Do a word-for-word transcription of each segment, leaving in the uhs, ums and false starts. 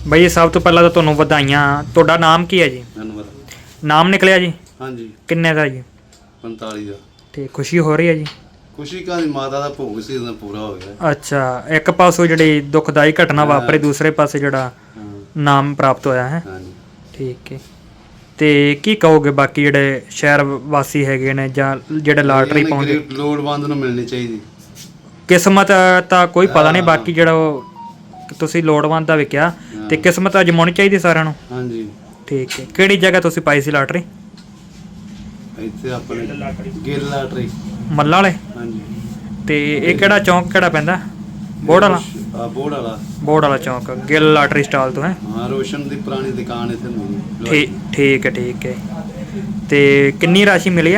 ਬਈ ਸਭ ਤੋਂ ਪਹਿਲਾਂ ਤਾਂ ਤੁਹਾਨੂੰ ਵਧਾਈਆਂ। ਤੁਹਾਡਾ ਨਾਮ ਕੀ ਹੈ ਜੀ? ਧੰਨਵਾਦ। ਨਾਮ ਨਿਕਲਿਆ ਜੀ? ਹਾਂਜੀ। ਕਿੰਨੇ ਦਾ ਜੀ? ਪੰਤਾਲੀ ਦਾ। ਤੇ ਖੁਸ਼ੀ ਹੋ ਰਹੀ ਹੈ ਜੀ? ਖੁਸ਼ੀ ਕਾਹਦੀ, ਮਾਤਾ ਦਾ ਭੋਗ ਸੀ ਉਹਦਾ ਪੂਰਾ ਹੋ ਗਿਆ। ਅੱਛਾ, ਇੱਕ ਪਾਸੋਂ ਜਿਹੜੀ ਦੁਖਦਾਈ ਘਟਨਾ ਵਾਪਰੀ, ਦੂਸਰੇ ਪਾਸੇ ਜਿਹੜਾ ਨਾਮ ਪ੍ਰਾਪਤ ਹੋਇਆ ਹੈ। ਹਾਂਜੀ ਠੀਕ ਹੈ। ਤੇ ਕੀ ਕਹੋਗੇ ਬਾਕੀ ਜਿਹੜੇ ਸ਼ਹਿਰ ਵਾਸੀ ਹੈਗੇ ਨੇ ਜਾਂ ਜਿਹੜੇ ਲਾਟਰੀ ਪਾਉਂਦੇ? ਲੋੜਵੰਦ ਨੂੰ ਮਿਲਣੀ ਚਾਹੀਦੀ। ਕਿਸਮਤ ਤਾਂ ਕੋਈ ਪਤਾ ਨਹੀਂ, ਬਾਕੀ ਜਿਹੜਾ ਉਹ ਤੁਸੀਂ ਲੋੜਵੰਦ ਦਾ ਵੀ ਕਿਹਾ, ਤੇ ਕਿਸਮਤ ਅਜਮਾਉਣੀ ਚਾਹੀਦੀ ਸਾਰਿਆਂ ਨੂੰ। ਹਾਂਜੀ ਠੀਕ ਹੈ। ਕਿਹੜੀ ਜਗ੍ਹਾ ਤੁਸੀਂ ਪਾਈ ਸੀ ਲਾਟਰੀ? ਇੱਥੇ ਆਪਣੇ ਗਿੱਲ ਲਾਟਰੀ ਮੱਲਾਂ ਵਾਲੇ। ਹਾਂਜੀ। ਤੇ ਇਹ ਕਿਹੜਾ ਚੌਂਕ ਕਿਹੜਾ ਪੈਂਦਾ? ਬੋੜ ਵਾਲਾ। ਆ ਬੋੜ ਵਾਲਾ। ਬੋੜ ਵਾਲਾ ਚੌਂਕ, ਗਿੱਲ ਲਾਟਰੀ ਸਟਾਲ ਤੋਂ ਹੈ। ਹਾਂ, ਰੋਸ਼ਨ ਦੀ ਪੁਰਾਣੀ ਦੁਕਾਨ ਇੱਥੇ ਮਿਲੀ। ਠੀਕ ਠੀਕ ਹੈ ਠੀਕ ਹੈ। ਤੇ ਕਿੰਨੀ ਰਾਸ਼ੀ ਮਿਲੀ ਆ?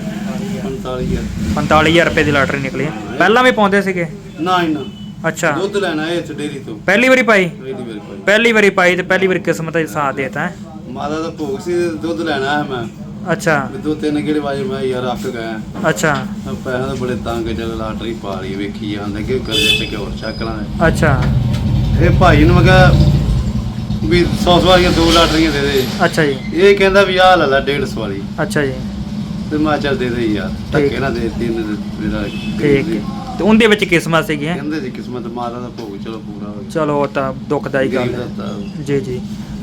ਪੰਤਾਲੀ ਹਜ਼ਾਰ। ਪੰਤਾਲੀ ਹਜ਼ਾਰ ਰੁਪਏ ਦੀ ਲਾਟਰੀ ਨਿਕਲੀ ਹੈ। ਪਹਿਲਾਂ ਵੀ ਪਾਉਂਦੇ ਸੀਗੇ? ਨਾ ਹੀ ਨਾ। ਅੱਛਾ, ਦੁੱਧ ਲੈਣਾ ਹੈ ਇੱਥੇ ਡੇਰੀ ਤੋਂ। ਪਹਿਲੀ ਵਾਰੀ ਪਾਈ? ਪਹਿਲੀ ਵਾਰੀ ਪਾਈ। ਪਹਿਲੀ ਵਾਰੀ ਪਾਈ ਤੇ ਪਹਿਲੀ ਵਾਰੀ ਕਿਸਮਤ ਦਾ ਸਾਥ ਦੇਤਾ ਹੈ। ਮਾਤਾ ਦਾ ਭੋਗ ਸੀ, ਦੁੱਧ ਲੈਣਾ ਹੈ ਮੈਂ। ਅੱਛਾ। ਦੋ ਤਿੰਨ ਗੇੜੇ ਵਾਜੇ ਮੈਂ ਯਾਰ ਅੱਕ ਗਿਆ। ਅੱਛਾ। ਪੈਸਾ ਤਾਂ ਬੜੇ ਤੰਗ, ਚੱਲ ਲਾਟਰੀ ਪਾ ਲਈ, ਵੇਖੀ ਜਾਂਦੇ ਕਿ ਕਰਜ਼ੇ ਤੇ ਹੋਰ ਚੱਕ ਲਾਂਗੇ। ਅੱਛਾ। ਇਹ ਭਾਈ ਨੂੰ ਮੈਂ ਕਿਹਾ ਵੀ ਸੌ ਸੌ ਵਾਲੀਆਂ ਦੋ ਲਾਟਰੀਆਂ ਦੇ ਦੇ। ਅੱਛਾ ਜੀ। ਇਹ ਕਹਿੰਦਾ ਵੀ ਆਹ ਲੈ ਲੈ ਡੇਢ ਸੌ ਵਾਲੀ। ਅੱਛਾ ਜੀ। ਤੇ ਮੈਂ ਚੱਲ ਦੇ ਦੇ ਯਾਰ, ਧੱਕੇ ਨਾ ਦੇ ਤਿੰਨ ਮੇਰਾ। ਠੀਕ ਹੈ। ਤੇ ਉਹਦੇ ਵਿੱਚ ਕਿਸਮਤ ਸੀਗੀ? ਕਹਿੰਦੇ ਸੀ ਕਿਸਮਤ, ਮਾਤਾ ਦਾ ਭੋਗ ਚਲੋ ਪੂਰਾ ਹੋ ਗਿਆ। ਚਲੋ ਉਹ ਤਾਂ ਦੁਖਦਾਈ ਗੱਲ ਹੈ। ਹੈ। ਜੀ ਜੀ।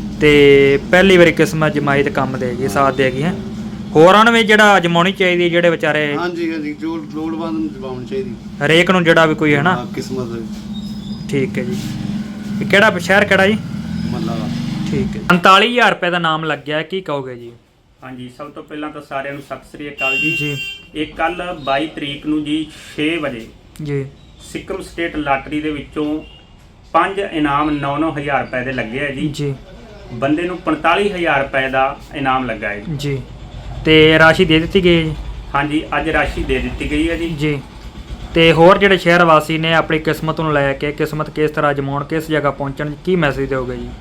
ਤੇ ਪਹਿਲੀ ਵਾਰੀ ਕਿਸਮਤ ਜਮਾਈ ਤੇ ਕੰਮ ਦੇਗੀ, ਸਾਥ ਦੇਗੀ ਹੈ। ਹੋਰਾਂ ਨੂੰ ਵੀ ਜਿਹੜਾ ਅਜਮਾਉਣੀ ਚਾਹੀਦੀ, ਜਿਹੜੇ ਵਿਚਾਰੇ। ਹਾਂਜੀ ਹਾਂਜੀ, ਜੋ ਲੋੜਵੰਦ ਨੂੰ ਜਮਾਉਣੀ ਚਾਹੀਦੀ ਹਰੇਕ ਨੂੰ, ਜਿਹੜਾ ਵੀ ਕੋਈ ਹੈ ਨਾ। ਕਿਸਮਤ। ਠੀਕ ਹੈ ਜੀ। ਇਹ ਕਿਹੜਾ ਸ਼ਹਿਰ ਕਿਹੜਾ ਜੀ? ਮੱਲਾ ਦਾ। ਠੀਕ ਹੈ। ਪੰਤਾਲੀ ਹਜ਼ਾਰ ਰੁਪਏ ਦਾ ਨਾਮ ਲੱਗਿਆ, ਕੀ ਕਹੋਗੇ ਜੀ? ਹਾਂਜੀ, ਸਭ ਤੋਂ ਪਹਿਲਾਂ ਤਾਂ ਸਾਰਿਆਂ ਨੂੰ ਸਤਿ ਸ੍ਰੀ ਅਕਾਲ ਜੀ। ਜੀ। ਇਹ ਕੱਲ ਬਾਈ ਤਰੀਕ ਨੂੰ ਜੀ ਛੇ ਵਜੇ ਜੀ। ਸਿੱਕਮ ਸਟੇਟ ਲਾਟਰੀ ਦੇ ਵਿੱਚੋਂ ਪੰਜ ਇਨਾਮ ਨੌ ਨੌ ਹਜ਼ਾਰ ਰੁਪਏ ਦੇ ਲੱਗੇ ਆ ਜੀ। ਜੀ। ਬੰਦੇ ਨੂੰ ਪੰਤਾਲੀ ਹਜ਼ਾਰ ਰੁਪਏ ਦਾ ਇਨਾਮ ਲੱਗਾ ਹੈ ਜੀ। ਤੇ ਰਾਸ਼ੀ ਦੇ ਦਿੱਤੀ ਗਈ ਜੀ? ਹਾਂਜੀ, ਅੱਜ ਰਾਸ਼ੀ ਦੇ ਦਿੱਤੀ ਗਈ ਹੈ ਜੀ। ਜੀ। ਤੇ ਹੋਰ ਜਿਹੜੇ ਸ਼ਹਿਰ ਵਾਸੀ ਨੇ ਆਪਣੀ ਕਿਸਮਤ ਨੂੰ ਲੈ ਕੇ, ਕਿਸਮਤ ਕਿਸ ਤਰ੍ਹਾਂ ਅਜਮਾਉਣ, ਕਿਸ ਜਗ੍ਹਾ ਪਹੁੰਚਣ, ਕੀ ਮੈਸੇਜ ਦਿਓਗੇ ਜੀ?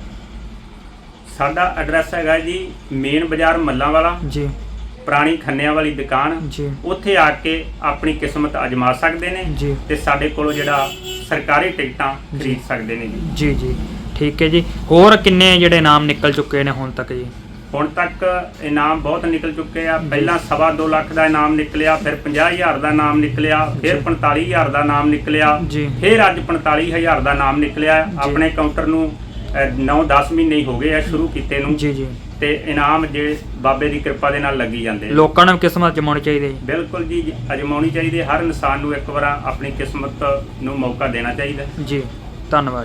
ਸਾਡਾ ਐਡਰੈਸ ਹੈਗਾ ਜੀ ਮੇਨ ਬਾਜ਼ਾਰ ਮੱਲਾਂ ਵਾਲਾ ਜੀ। ਪੁਰਾਣੀ ਖੰਨਿਆਂ ਵਾਲੀ ਦੁਕਾਨ। ਜੀ। ਉੱਥੇ ਆ ਕੇ ਆਪਣੀ ਕਿਸਮਤ ਅਜਮਾ ਸਕਦੇ ਨੇ ਜੀ। ਤੇ ਸਾਡੇ ਕੋਲੋਂ ਜਿਹੜਾ ਸਰਕਾਰੀ ਟਿਕਟਾਂ ਖਰੀਦ ਸਕਦੇ ਨੇ ਜੀ। ਜੀ ਜੀ। ਠੀਕ ਹੈ ਜੀ। ਹੋਰ ਕਿੰਨੇ ਜਿਹੜੇ ਇਨਾਮ ਨਿਕਲ ਚੁੱਕੇ ਨੇ ਹੁਣ ਤੱਕ ਜੀ? ਹੁਣ ਤੱਕ ਇਨਾਮ ਬਹੁਤ ਨਿਕਲ ਚੁੱਕੇ ਆ। ਪਹਿਲਾਂ ਸਵਾ ਦੋ ਲੱਖ ਦਾ ਇਨਾਮ ਨਿਕਲਿਆ, ਫਿਰ ਪੰਜਾਹ ਹਜ਼ਾਰ ਦਾ ਇਨਾਮ ਨਿਕਲਿਆ, ਫਿਰ ਪੰਤਾਲੀ ਹਜ਼ਾਰ ਦਾ ਇਨਾਮ ਨਿਕਲਿਆ, ਫਿਰ ਅੱਜ ਪੰਤਾਲੀ ਹਜ਼ਾਰ ਦਾ ਇਨਾਮ ਨਿਕਲਿਆ। ਆਪਣੇ ਕਾਊਂਟਰ ਨੂੰ ਨੌ ਦਸ ਮਹੀਨੇ ਹੀ ਹੋ ਗਏ ਆ ਸ਼ੁਰੂ ਕੀਤੇ ਨੂੰ। ਜੀ ਜੀ। ਤੇ ਇਨਾਮ ਜੇ ਬਾਬੇ ਦੀ ਕਿਰਪਾ ਦੇ ਨਾਲ ਲੱਗੀ ਜਾਂਦੇ। ਲੋਕਾਂ ਨੂੰ ਕਿਸਮਤ ਅਜਮਾਉਣੀ ਚਾਹੀਦੀ ਹੈ? ਬਿਲਕੁਲ ਜੀ, ਅਜਮਾਉਣੀ ਚਾਹੀਦੀ ਹੈ। ਹਰ ਇਨਸਾਨ ਨੂੰ ਇੱਕ ਵਾਰ ਆਪਣੀ ਕਿਸਮਤ ਨੂੰ ਮੌਕਾ ਦੇਣਾ ਚਾਹੀਦਾ। ਜੀ। ਧੰਨਵਾਦ।